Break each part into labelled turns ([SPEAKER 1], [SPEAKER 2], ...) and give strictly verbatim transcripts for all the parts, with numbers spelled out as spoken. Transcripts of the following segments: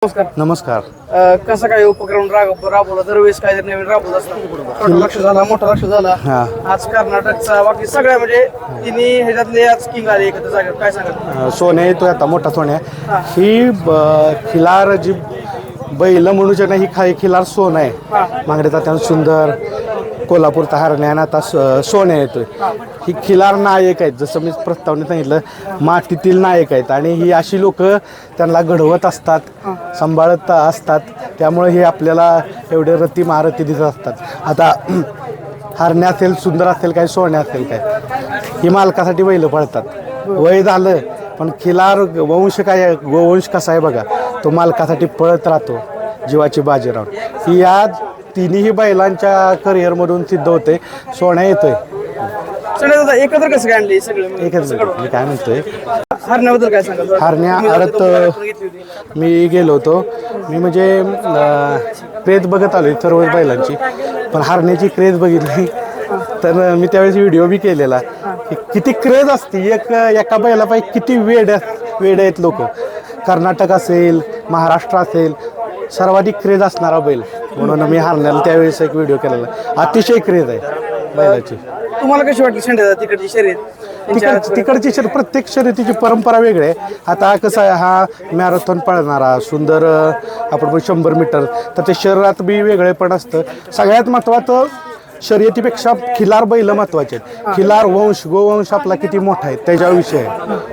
[SPEAKER 1] नमस्कार.
[SPEAKER 2] नमस्कार.
[SPEAKER 1] अ, कसा काय उपक्रम राब- राबवला दरवेळेस काय नवीन राबवत असतात. छोटा लक्ष झाला मोठा लक्ष झाला.
[SPEAKER 2] हा.
[SPEAKER 1] आज कर्नाटकचा बाकी सगळ्या म्हणजे तिन्ही ह्याच्यातले आज किंग आले एकत्र जागेवर काय सांगाल.
[SPEAKER 2] अ, सोन्या येतोय आता मोठा सोन्या.
[SPEAKER 1] हा.
[SPEAKER 2] ही ब- खिलार जी बैल म्हणूच्या नाही ही खा खिलार सोन आहे.
[SPEAKER 1] हा.
[SPEAKER 2] मागडे तात्यान सुंदर कोल्हापूरचा हरण्या आणि आता स- सोन्या येतोय. ही खिलार नायक आहेत, जसं मी प्रस्तावनेत सांगितलं मातीतील नायक आहेत आणि ही अशी लोक त्यांना घडवत असतात, सांभाळत असतात. त्यामुळे हे आपल्याला एवढे रती महारथी दिसत असतात. आता हरण्या असेल, सुंदर असेल काय, सोन्या असेल काय, ही मालकासाठी बैल पळतात. वय झालं पण खिलार वंश काय, गोवंश कसा आहे बघा, तो मालकासाठी पळत राहतो जीवाची बाजी राहून. ही या तिन्ही बैलांच्या करिअरमधून सिद्ध होते. सोन्या येतोय
[SPEAKER 1] सगळे दादा एकत्र कसं काय आणले सगळे
[SPEAKER 2] एकच मिनिट, मी काय म्हणतोय
[SPEAKER 1] हरण्याबद्दल काय सांगाल.
[SPEAKER 2] हरण्या
[SPEAKER 1] तुम्ही
[SPEAKER 2] आरत
[SPEAKER 1] जाता घेतली होती.
[SPEAKER 2] मी गेलो होतो. मी म्हणजे अं, क्रेज बघत आलो सर्व बैलांची, पण हरण्याची क्रेज बघितली तर मी त्यावेळेस व्हिडिओ बी केलेला की किती क्रेज असते एक एका बैलापायी, किती वेड वेड आहेत लोक. कर्नाटक असेल, महाराष्ट्र असेल, सर्वाधिक क्रेज असणारा बैल म्हणून मी हरण्याला त्यावेळेस एक व्हिडिओ केलेला. अतिशय क्रेज आहे बैलाची.
[SPEAKER 1] तुम्हाला कशी वाटली शेंड्या तिकडची शर्यत.
[SPEAKER 2] तिकड तिकडची शर्यत, प्रत्येक शर्यतीची परंपरा वेगळी आहे. आता कसं आहे, हा मॅरेथॉन पळणारा सुंदर, आपण पण शंभर मीटर, तर ते शरीरात बी वेगळे पण असतं. सगळ्यात महत्त्वाचं शर्यतीपेक्षा खिलार बैल महत्त्वाचे आहेत. खिलार वंश, गोवंश आपला किती मोठा आहे त्याच्या विषय आहे.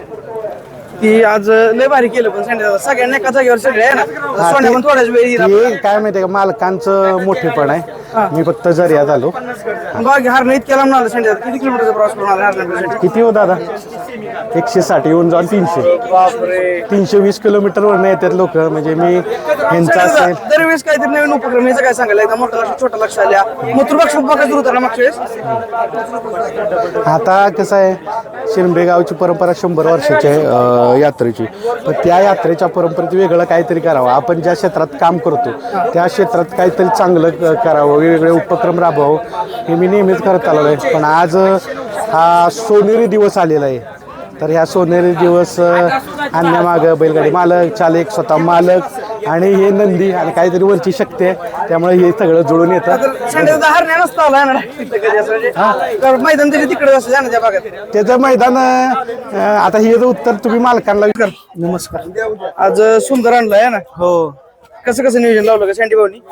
[SPEAKER 1] ती आज लय भारी केलं पण संडे सगळ्यांना एका जागेवर सगळे आहे ना. सोन्या पण थोड्याच वेळ
[SPEAKER 2] ते काय माहिती आहे का, मालकांचं मोठेपण आहे. मी फक्त जरियात आलो.
[SPEAKER 1] बाकी हार नाही इतक्या लांब आला संडे किती किलोमीटरचा प्रवास करून आला हरण्यासाठी.
[SPEAKER 2] किती हो दादा, एकशे साठ येऊन जाऊन तीनशे
[SPEAKER 1] बापरे.
[SPEAKER 2] तीनशे वीस किलोमीटरवर येतात लोक. म्हणजे मी यांचा असेल
[SPEAKER 1] दरवेळेस काहीतरी नवीन उपक्रम याचं काय सांगायला एकदा मोठा लक्ष छोटा लक्ष आल्या मूत्रपक्ष बघा सुरू होता ना मागच्या वेळेस.
[SPEAKER 2] आता कसं आहे, शिरंबे गावची परंपरा शंभर वर्षाची आहे अ, यात्रेची. पण त्या यात्रेच्या परंपरेत वेगळं काहीतरी करावं. आपण ज्या क्षेत्रात काम करतो त्या क्षेत्रात काहीतरी चांगलं क- करावं, वेगवेगळे उपक्रम राबवावं, हे मी नेहमीच करत आलेलो आहे. पण आज हा सोनेरी दिवस आलेला आहे. तर ह्या सोनेरी दिवस आणण्यामागं बैलगाडी मालक, चालक, स्वतः मालक आणि हे नंदी आणि काहीतरी वरची शक्ती आहे. त्यामुळे हे सगळं जुळून येतं.
[SPEAKER 1] संडे हरण्या नसता आला ना तिथं कधी असं म्हणजे. तर मैदान तरी तिकडे असं ना त्या भागात.
[SPEAKER 2] त्याचं मैदान अं, आता हे जर उत्तर तुम्ही मालकांना विचार.
[SPEAKER 1] नमस्कार. आज सुंदर आणलाय है ना.
[SPEAKER 2] हो.
[SPEAKER 1] कसं कसं नियोजन लावलं का सँडी भाऊनी.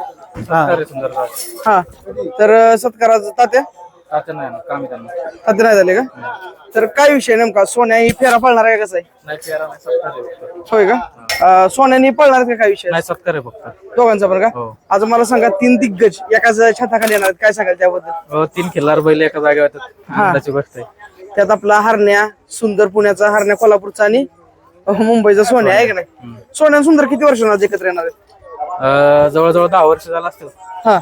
[SPEAKER 1] हा तर सत्काराचं तात्या
[SPEAKER 3] तात्या नाही ना, काम आहे त्यांना.
[SPEAKER 1] तात्या नाही झाले का. तर काय विषय नेमका, सोन्या ही फेरा पळणार आहे का कसं आहे.
[SPEAKER 3] नाही फेरा नाही, सत्कार आहे फक्त.
[SPEAKER 1] होय का. अं, सोन्यानी पळणार का काय विषय
[SPEAKER 3] नाही सत्कार आहे फक्त.
[SPEAKER 1] दोघांचा पण का.
[SPEAKER 3] हो.
[SPEAKER 1] आज मला सांगा तीन दिग्गज एकाच छताखाली येणार आहेत. काय सांगाल त्याबद्दल.
[SPEAKER 3] हो, तीन खिल्लार बैल एका जागेवर येतात.
[SPEAKER 1] हा.
[SPEAKER 3] आनंदाची गोष्ट आहे.
[SPEAKER 1] त्यात आपला हरण्या, सुंदर पुण्याचा हरण्या, कोल्हापूरचा आणि मुंबईचा सोन्या आहे का नाही. सोन्या आणि सुंदर किती वर्ष आज एकत्र येणार आहेत.
[SPEAKER 3] अं, जवळजवळ दहा वर्ष झालं असतील,
[SPEAKER 1] हा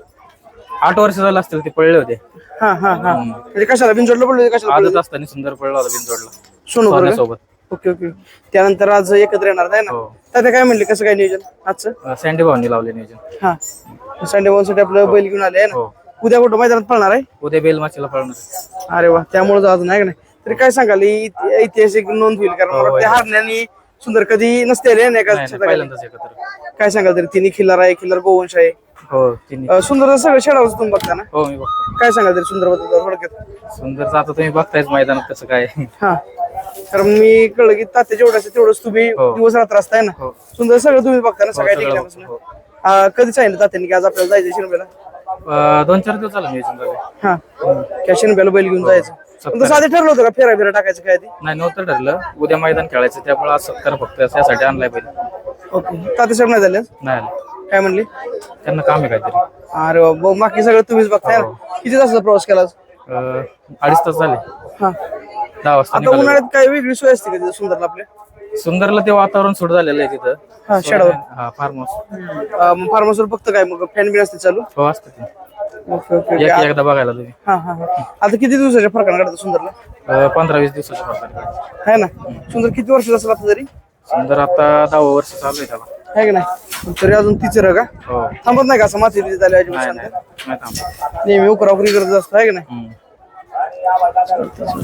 [SPEAKER 3] आठ वर्ष झालं असतील ते पळले होते.
[SPEAKER 1] हा हा हा म्हणजे कशाला बिनजोडला पडलो कशाला
[SPEAKER 3] आजच
[SPEAKER 1] पडलो?
[SPEAKER 3] असताना सुंदर पळला होता बिनजोडला
[SPEAKER 1] सोनू बरोबर.
[SPEAKER 3] सोन्यासोबत.
[SPEAKER 1] Okay okay. त्यानंतर आज एकत्र येणार आहे ना.
[SPEAKER 3] हो.
[SPEAKER 1] तात्या काय म्हणले कसं काय नियोजन आजचं.
[SPEAKER 3] अं, सँडी भाऊनी लावले नियोजन.
[SPEAKER 1] हा संडे साठी आपलं बैल घेऊन आले आहे ना.
[SPEAKER 3] हो.
[SPEAKER 1] उद्या कुठं मैदानात पळणार आहे.
[SPEAKER 3] उद्या बेलमाचीला पळणार.
[SPEAKER 1] अरे वा, त्यामुळे आज नाही का नाही. तरी काय सांगाल ही इत- ऐतिहासिक नोंद होईल कारण मला त्या हरण्यानी सुंदर कधी नसते रे नाही का
[SPEAKER 3] नाही, नाही,
[SPEAKER 1] छताखाली.
[SPEAKER 3] पहिल्यांदाच एकत्र.
[SPEAKER 1] काय सांगाल तरी तिन्ही खिल्लार आहे, खिल्लार गोवंश आहे.
[SPEAKER 3] हो तिन्ही.
[SPEAKER 1] अं, सुंदर सगळं शेडावर तुम्ही बघता ना.
[SPEAKER 3] हो मी बघतो.
[SPEAKER 1] काय सांगाल तरी सुंदर बद्दल थोडक्यात.
[SPEAKER 3] सुंदरचं आता तुम्ही बघतायच मैदानात कसं काय.
[SPEAKER 1] हा कारण मी कळलं की तात्या जेवढं असतं तेवढंच तुम्ही
[SPEAKER 3] हो.
[SPEAKER 1] दिवस रात्र असताय ना.
[SPEAKER 3] हो.
[SPEAKER 1] सुंदर सगळं तुम्ही बघता ना सगळ्या
[SPEAKER 3] सगळं
[SPEAKER 1] ठिकाणापासून.
[SPEAKER 3] बघतो.
[SPEAKER 1] अं, कधी सांगितलं तात्याने की आज आपल्याला जायचं शिरबेला.
[SPEAKER 3] अं, दोन चार दिवस झालं नियोजन झालं.
[SPEAKER 1] हा त्या शिरबेला बैल घेऊन जायचं. पण तसं आधी ठरलं होतं का फेरा बिरा टाकायचं काय ते.
[SPEAKER 3] नाही नव्हतं ठरलं, उद्या मैदान खेळायचं त्यामुळे आज सत्कार फक्त यासाठी आणलाय बैल.
[SPEAKER 1] ओके. तात्या साहेब नाही झाले
[SPEAKER 3] नाही आलं.
[SPEAKER 1] काय म्हणले.
[SPEAKER 3] त्यांना काम आहे काहीतरी.
[SPEAKER 1] अरे वा, ब- बाकी सगळं तुम्हीच बघताय ना. किती तासाचा प्रवास केला आज?
[SPEAKER 3] अं, अडीच तास झाले.
[SPEAKER 1] हा
[SPEAKER 3] दहा वाजता
[SPEAKER 1] आता
[SPEAKER 3] निघालो.
[SPEAKER 1] उन्हाळ्यात काय वेगळी सोय असते का तिथं सुंदरला आपल्या.
[SPEAKER 3] सुंदरला ते वातावरण सूट झालेलं आहे तिथं.
[SPEAKER 1] हा शेडावर.
[SPEAKER 3] हा फार्म हाऊस.
[SPEAKER 1] फार्मसवर फक्त काय मग फॅन बिन असते चालू.
[SPEAKER 3] हो असतं ते.
[SPEAKER 1] Okay okay okay.
[SPEAKER 3] एक- एकदा बघायला तुम्ही.
[SPEAKER 1] हा हा हा. आता किती दिवसाच्या फरकानं काढतात सुंदरला.
[SPEAKER 3] अं, पंधरा वीस दिवसाच्या फरक.
[SPEAKER 1] आहे ना. सुंदर किती वर्ष असेल आता तरी.
[SPEAKER 3] सुंदर आता दहावं वर्ष चालू आहे त्याला.
[SPEAKER 1] आहे का नाही. तरी अजून तिचं का
[SPEAKER 3] हो.
[SPEAKER 1] थांबत नाही का असं माती बिती झाली अजिबात
[SPEAKER 3] नाही
[SPEAKER 1] शांत?
[SPEAKER 3] नाही नाही थांबा.
[SPEAKER 1] नेहमी उकरा उकरी करत असतं आहे का नाही.
[SPEAKER 3] हम्म.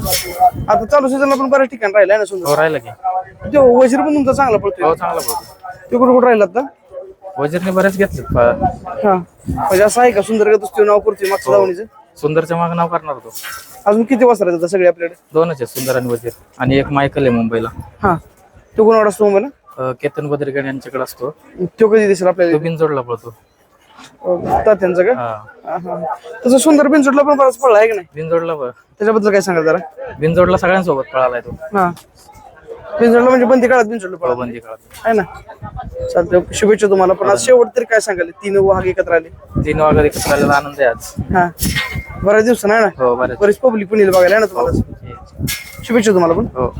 [SPEAKER 1] आता चालू सीझनला पण बऱ्याच ठिकाणी राहिलाय ना सुंदर.
[SPEAKER 3] हो राहिलं की.
[SPEAKER 1] तो वजीर पण तुमचा चांगला पडतोय.
[SPEAKER 3] हो चांगला बोलतो.
[SPEAKER 1] ते कुठं कुठं राहिलात ना
[SPEAKER 3] वजीरने बऱ्याच घेतलेत पा-
[SPEAKER 1] हा म्हणजे असं आहे का सुंदर का दुसरी नाव करतोय मागच्या दावणीचं
[SPEAKER 3] सुंदरच्या मागे नाव करणार तो.
[SPEAKER 1] अजून किती वाजता राहतात सगळे आपल्याकडे
[SPEAKER 3] दोनच आहे, सुंदर आणि वजीर. आणि एक मायकल आहे मुंबईला.
[SPEAKER 1] हा तो कोण असतो मुंबईला
[SPEAKER 3] अं, केतन बद्रिगड यांच्याकडे असतो.
[SPEAKER 1] तो कधी दिसेल
[SPEAKER 3] तो
[SPEAKER 1] आपल्याला
[SPEAKER 3] बिनजोडला पळतो.
[SPEAKER 1] तात्यांचं का
[SPEAKER 3] हा
[SPEAKER 1] हा, हा. तसं सुंदर बिनचोडला पण बराच पडला आहे का नाही
[SPEAKER 3] बिनजोडला प-
[SPEAKER 1] त्याच्याबद्दल काय सांगा जरा
[SPEAKER 3] बिनजोडला सगळ्यांसोबत पळालाय तो.
[SPEAKER 1] हा बिनचोडला म्हणजे बंदी काळात बिनचोडला पडला
[SPEAKER 3] बंदी काळात
[SPEAKER 1] आहे ना चालतंय शुभेच्छा तुम्हाला पण आज शेवट तरी काय सांगाल तीन वाघ एकत्र आले
[SPEAKER 3] तीन वाजता एकत्र आलेला आनंद आहे आज.
[SPEAKER 1] हा बऱ्याच दिवसानं आहे ना
[SPEAKER 3] हो बरेच.
[SPEAKER 1] बरीच पब्लिक पण येईल बघायला आहे ना तुम्हाला शुभेच्छा तुम्हाला पण
[SPEAKER 3] हो